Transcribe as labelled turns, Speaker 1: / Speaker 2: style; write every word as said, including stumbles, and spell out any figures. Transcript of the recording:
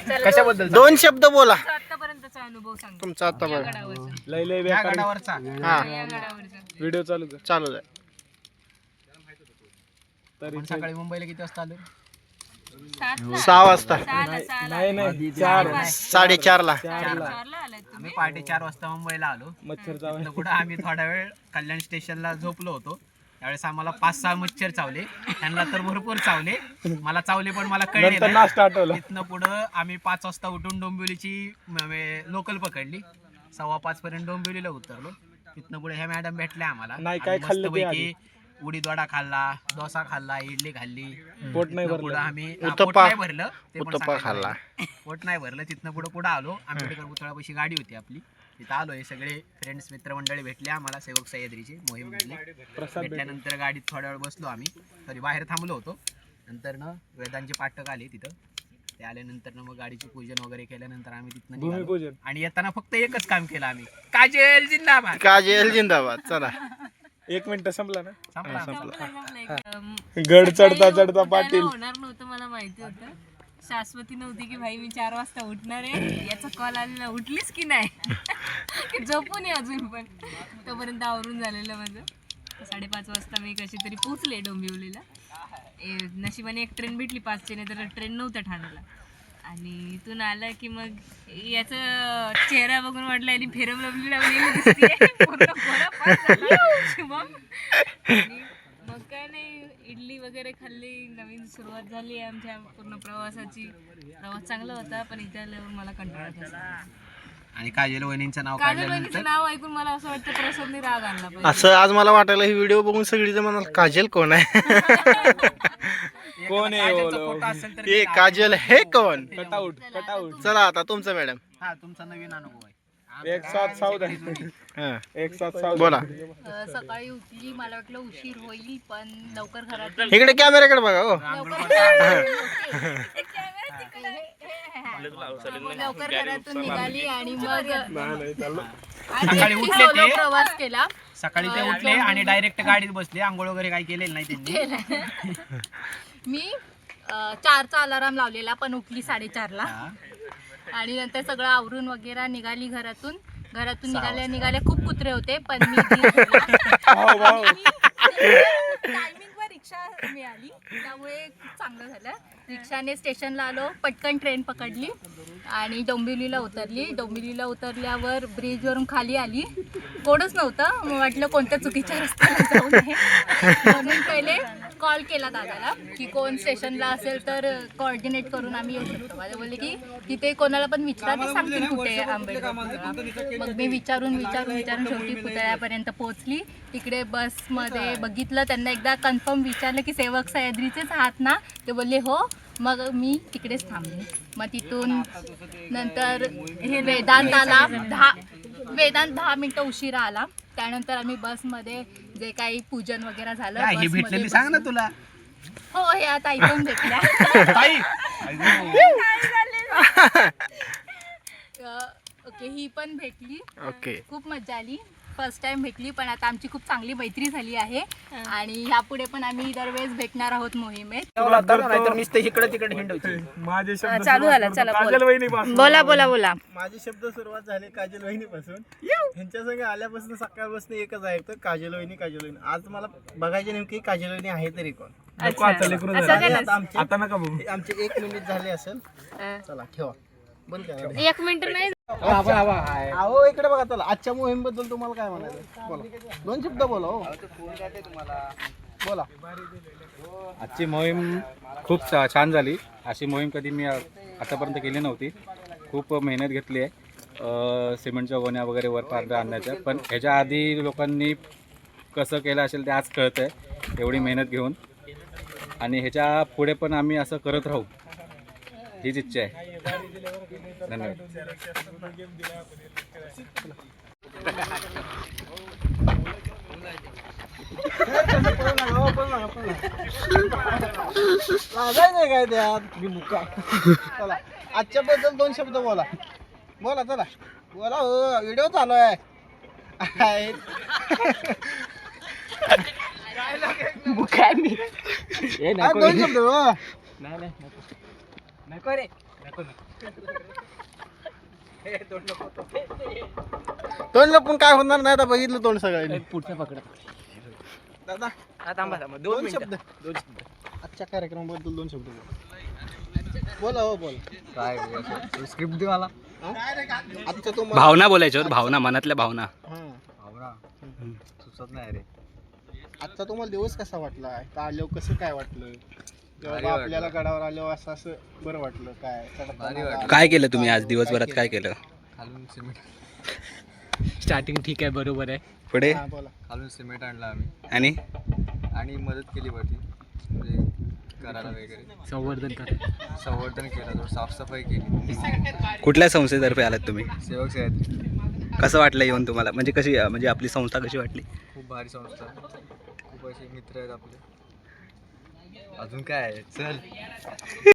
Speaker 1: कशाबद्दल
Speaker 2: दोन शब्द बोला.
Speaker 3: आतापर्यंतचा अनुभव सांग
Speaker 2: तुमचा आतापर्यंत.
Speaker 1: लय लय गडावरचा
Speaker 2: हा
Speaker 1: व्हिडिओ चालू कर.
Speaker 2: चालू आहे.
Speaker 1: तरी सकाळी मुंबईला किती वाजता आलो?
Speaker 2: सहा वाजता.
Speaker 1: नाही नाही चार
Speaker 2: साडेचार ला.
Speaker 1: आम्ही पहाटे चार वाजता मुंबईला आलो. मच्छर चावले कुठं आम्ही थोडा वेळ कल्याण स्टेशनला झोपलो होतो. त्यावेळेस आम्हाला पाच सहा मच्छर चावले. त्यांना तर भरपूर चावले. मला चावले पण मला कळले नाही. तिथनं पुढं आम्ही पाच वाजता उठून डोंबिवलीची लोकल पकडली. सव्वा पाच पर्यंत डोंबिवलीला उतरलो. तिथनं पुढे ह्या मॅडम भेटल्या आम्हाला. नाही काय खाल्लं, उडीद वडा खाल्ला, डोसा खाल्ला, इडली खाल्ली. पोट नाही भरलं. आम्ही पोट नाही भरलं ते पण खाल्ला. पोट नाही भरलं. तिथनं पुढे पुढे आलो. आंबेडकर पुतळ्यापाशी गाडी होती आपली. तिथं आलो. हे सगळे फ्रेंड्स मित्रमंडळी भेटले आम्हाला. सेवक सह्याद्रीचे मोहीम भेटले. भेटल्यानंतर गाडीत थोड्या वेळ बसलो आम्ही. तरी बाहेर थांबलो होतो. नंतर ना वेदांचे पाठक आले तिथं. ते आल्यानंतर मग गाडीचे पूजन वगैरे केल्यानंतर आम्ही तिथनं निघालो. आणि येताना फक्त एकच काम केलं आम्ही. काजल जिंदाबाद,
Speaker 2: काजल जिंदाबाद. चला
Speaker 1: एक मिनिट संपला ना. संपला. गड चढता चढता पाटील
Speaker 3: होणार नव्हतं मला माहिती होतं. शाश्वती नव्हती की भाई मी चार वाजता उठणार आहे. याचा कॉल आलेला उठलीस की नाही. झोपून आहे अजून पण. तोपर्यंत आवरून झालेलं माझं. साडेपाच वाजता मी कशी तरी पोचले डोंबिवलीला. नशिबाने एक ट्रेन भेटली पाचशे, नाही तर ट्रेन नव्हतं ठाण्याला. आणि इथून आलं की मग याचं चेहरा बघून वाटलं आणि फेरम लवली लावलेली पूर्ण मग काय नाही, इडली वगैरे खाल्ली. नवीन सुरुवात झाली आमच्या पूर्ण प्रवासाची. प्रवास चांगला होता पण इथे आल्यावर मला कंटाळा बसला.
Speaker 1: आणि काजल वहिनींचं नाव
Speaker 3: काजल वहिनीचं नाव ऐकून मला असं वाटतं प्रसादने राग आणला पाहिजे.
Speaker 2: असं आज मला वाटायला ही व्हिडिओ बघून सगळीजण म्हणाल काजल कोण आहे.
Speaker 1: कोण आहे
Speaker 2: हे काजल हे कोण.
Speaker 1: Cutout cutout.
Speaker 2: चला आता तुमचं मॅडम.
Speaker 1: हा तुमचा नवीन अनुभव आहे. एक साथ सावधान. एक साथ सावधान.
Speaker 2: बोला.
Speaker 3: सकाळी उठली, मला वाटलं उशीर होईल पण लवकर घरात.
Speaker 2: इकडे कॅमेराकडे बघा. हो
Speaker 3: लवकर घरातून निघाली आणि मग
Speaker 1: सकाळी उठले ते
Speaker 3: प्रवास केला.
Speaker 1: सकाळी ते उठले आणि डायरेक्ट गाडीत बसले. आंघोळ वगैरे काही केलेलं नाही त्यांनी.
Speaker 3: मी चारचा अलाराम लावलेला पण उठली साडेचारला. आणि नंतर सगळं आवरून वगैरे निघाली घरातून. घरातून निघाल्या निघाल्या खूप कुत्रे होते पण मी टायमिंगवर रिक्षा मिळाली त्यामुळे खूप चांगलं झालं. रिक्षाने स्टेशनला आलो. पटकन ट्रेन पकडली आणि डोंबिवलीला उतरली. डोंबिवलीला उतरल्यावर ब्रिजवरून खाली आली. कोणच नव्हतं. मग वाटलं कोणत्या चुकीच्या रस्त्याला जाऊ नये म्हणून पहिले कॉल केला दादाला की कोण स्टेशनला असेल तर कोऑर्डिनेट करून आम्ही येऊ शकतो. माझे बोलले की तिथे कोणाला पण विचारा ते सांगतील कुठे आंबेडकर. मग मी विचारून विचारून विचारून शेवटी पुतळ्यापर्यंत पोहोचली. तिकडे बसमध्ये बघितलं. त्यांना एकदा कन्फर्म विचारलं की सेवक सह्याद्रीचेच आहात ना. ते बोलले हो. मग मी तिकडेच थांबले. मग तिथून नंतर हे वेदांत आला. दहा वेदांत दहा मिनटं उशिरा आला. त्यानंतर आम्ही बसमध्ये जे काही पूजन वगैरे झालं.
Speaker 1: ही भेटलेली सांग ना तुला.
Speaker 3: हो हे आता ऐकून भेटल्या. ओके ही पण भेटली.
Speaker 2: ओके
Speaker 3: खूप मजा आली. फर्स्ट टाइम भेटली पण आता आमची खूप चांगली मैत्री झाली आहे. आणि ह्यापुढे पण आम्ही दरवेळेस भेटणार आहोत मोहिमेत. चालू झालं. चला बोला बोला बोला.
Speaker 2: माझे शब्द सुरुवात झाले काजल वहिनीपासून. ह्यांच्या संग आल्यापासून सकाळपासून एकच आहे तर काजल वहिनी काजल वहिनी. आज मला बघायचे नेमकी काजल वहिनी आहे तरी कोण.
Speaker 1: आता नका बघू.
Speaker 2: आमचे एक मिनिट झाले असेल. चला ठेवा बंद करा.
Speaker 3: एक मिनिट नाही.
Speaker 2: अहो इकडे बघा. चला आजच्या मोहीम बद्दल तुम्हाला काय म्हणायचं बोला. दोन शब्द बोला. हो बोला.
Speaker 4: आजची मोहीम खूप छान झाली. अशी मोहीम कधी मी आतापर्यंत केली नव्हती. खूप मेहनत घेतली आहे सिमेंटच्या गोण्या वगैरे वर पारड्या आणण्याच्या. पण ह्याच्या आधी लोकांनी कसं केलं असेल ते आज कळतं आहे एवढी मेहनत घेऊन. आणि ह्याच्या पुढे पण आम्ही असं करत राहू हीच इच्छा आहे. धन्यवाद.
Speaker 2: काय त्यात चला आजच्या बद्दल दोन शब्द बोला. बोला चला बोला. हो व्हिडिओ चालू आहे. दोन शब्द. तोंड लपून काय होणार नाही आता बघितलं तोंड सगळ्यांनी.
Speaker 1: पुढचा पकडा.
Speaker 2: दादा
Speaker 1: थांबा थांबा
Speaker 2: दोन शब्द दोन शब्द आजच्या कार्यक्रमाबद्दल दोन शब्द बोला. बोला हो बोल.
Speaker 5: काय स्क्रिप्ट दे मला.
Speaker 2: आजचा तो मला-
Speaker 1: भावना बोलायच्या होत, भावना, मनातल्या भावना.
Speaker 2: हा.
Speaker 5: आवरा सुचत नाही रे.
Speaker 2: आजचा तुम्हाला दिवस कसा वाटला? का आल्यावर कसं काय वाटलं? तेव्हा
Speaker 5: भारी
Speaker 2: आपल्याला गडावर आल्यावर असं असं बरं वाटलं काय? चढताना
Speaker 5: भारी वाटलं.
Speaker 1: काय केलं तुम्ही आज दिवसभरात, काय केलं?
Speaker 5: खालून सिमेंट
Speaker 1: स्टार्टिंग ठीक आहे, बरोबर आहे.
Speaker 4: पुढे
Speaker 2: हा, बोला.
Speaker 5: खालून सिमेंट आणलं आम्ही
Speaker 4: आणि
Speaker 5: आणि मदत केली वरती म्हणजे करायला वगैरे.
Speaker 1: संवर्धन कर.
Speaker 5: संवर्धन केलं, थोडं साफसफाई केली.
Speaker 4: कुठल्या संस्थेतर्फे आलात तुम्ही?
Speaker 5: सेवक साहेब
Speaker 4: कसं वाटलं येऊन तुम्हाला? म्हणजे कशी, म्हणजे आपली संस्था कशी वाटली?
Speaker 5: खूप भारी संस्था, खूप असे मित्र आहेत आपले. अजून काय आहे, चल.